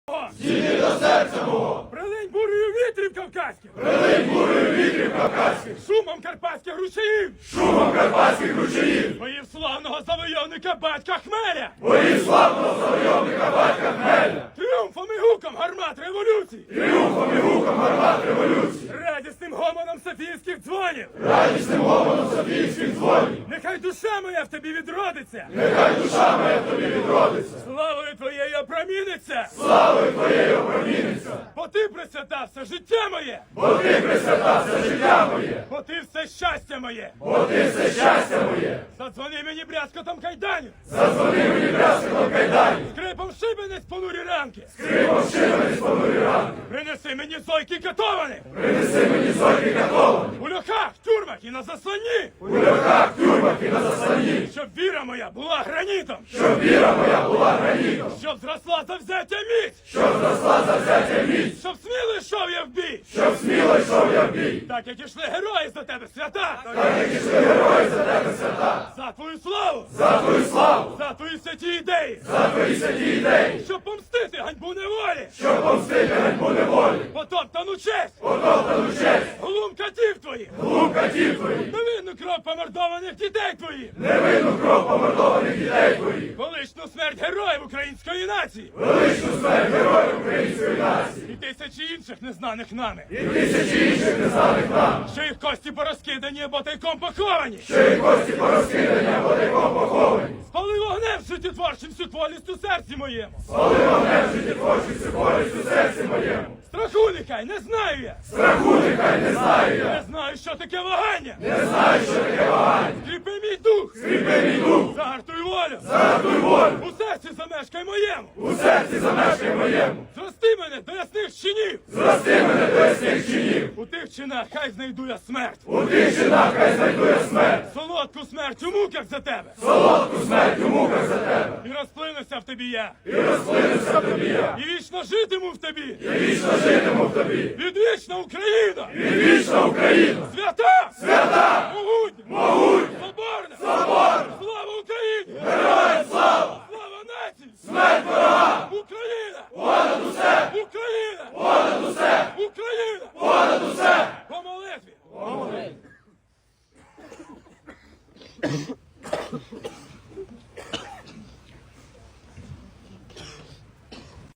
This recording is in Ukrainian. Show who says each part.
Speaker 1: Дійди до серця мого!
Speaker 2: Прилинь бурею вітрів кавказьких!
Speaker 1: Прилинь бурею вітрів кавказьких!
Speaker 2: Шумом карпатських ручаїв!
Speaker 1: Шумом карпатських ручаїв!
Speaker 2: Боїв славного завойовника батька Хмеля!
Speaker 1: Боїв славного завойовника батька Хмеля!
Speaker 2: Тріумфом і гуком гармат революції!
Speaker 1: Тріумфом і гуком гармат революції!
Speaker 2: Радісним гомоном софійських дзвонів!
Speaker 1: Радісним гомоном софійських дзвонів!
Speaker 2: Нехай душа моя в тобі відродиться!
Speaker 1: Нехай душа моя в тобі відродиться!
Speaker 2: Славою твоєю опроміниться!
Speaker 1: Славою твоєю опроміниться!
Speaker 2: Бо ти присвята все життя моє!
Speaker 1: Бо ти присвята все життя моє!
Speaker 2: Бо ти все щастя моє!
Speaker 1: Бо ти все щастя моє!
Speaker 2: Задзвони мені брязкотом кайданів!
Speaker 1: Задзвони мені брязкотом кайданів!
Speaker 2: Скрипом шибениць понурі ранки!
Speaker 1: Скрипом шибениць понурі ранки!
Speaker 2: Принеси мені зойки катованих!
Speaker 1: Принеси мені зойки катовані!
Speaker 2: У льохах, тюрмах і на засланні!
Speaker 1: У льохах, тюрмах і на засланні!
Speaker 2: Щоб віра моя була гранітом!
Speaker 1: Щоб віра моя була гранітом!
Speaker 2: Щоб зросла завзяття міць!
Speaker 1: Щоб зросла завзяття міць!
Speaker 2: Щоб сміло йшов я в бій!
Speaker 1: Щоб сміло йшов я в бій!
Speaker 2: Так як ішли герої за тебе, свята!
Speaker 1: Так як ішли герої за тебе свята!
Speaker 2: За твою славу!
Speaker 1: За твою славу!
Speaker 2: За твої святі ідеї!
Speaker 1: За твої святі ідеї!
Speaker 2: Щоб помстити ганьбу неволі!
Speaker 1: Щоб помстити ганьбу неволі!
Speaker 2: Потоптану честь!
Speaker 1: Потоптану честь!
Speaker 2: Глум катів твоїх!
Speaker 1: Глум катів твоїх!
Speaker 2: Невинну кров помордованих дітей твоїх!
Speaker 1: Невинну кров помордованих дітей твоїх!
Speaker 2: Величну смерть героїв української нації!
Speaker 1: Величну смерть героїв української нації!
Speaker 2: І тисячі інших незнаних нами!
Speaker 1: І тисячі інших незнаних нам!
Speaker 2: Що їх кості порозкидані або тайком поховані!
Speaker 1: Що їх кості порозкидані або тайком поховані!
Speaker 2: Спали вогнем життєтворчим всю творність у серці моєму!
Speaker 1: Спали вогнем життєтворчим всю користь у серці моєму!
Speaker 2: Страху нехай, не знаю я!
Speaker 1: Страху нехай не знаю я!
Speaker 2: Не знаю, що таке вагання!
Speaker 1: Не знаю, що таке вагання!
Speaker 2: Скріпи мій дух!
Speaker 1: Скріпи мій дух!
Speaker 2: Загартуй волю!
Speaker 1: Загартуй волю!
Speaker 2: У серці замешкай моєму!
Speaker 1: У серці замешкай моєму!
Speaker 2: Зрости мене до ясних чинів!
Speaker 1: Зрости мене до ясних чинів!
Speaker 2: У тих чинах хай знайду я смерть!
Speaker 1: У тих чинах хай знайду я смерть!
Speaker 2: Солодку смерть у муках за тебе!
Speaker 1: Солодку смерть у муках за тебе!
Speaker 2: І розплинуся в тобі я!
Speaker 1: І розплинуся в тобі я!
Speaker 2: І вічно житиму в тобі!
Speaker 1: І вічно житиму в тобі!
Speaker 2: Відвічна Україна!
Speaker 1: Відвічна Україна!
Speaker 2: Свята!
Speaker 1: Свята!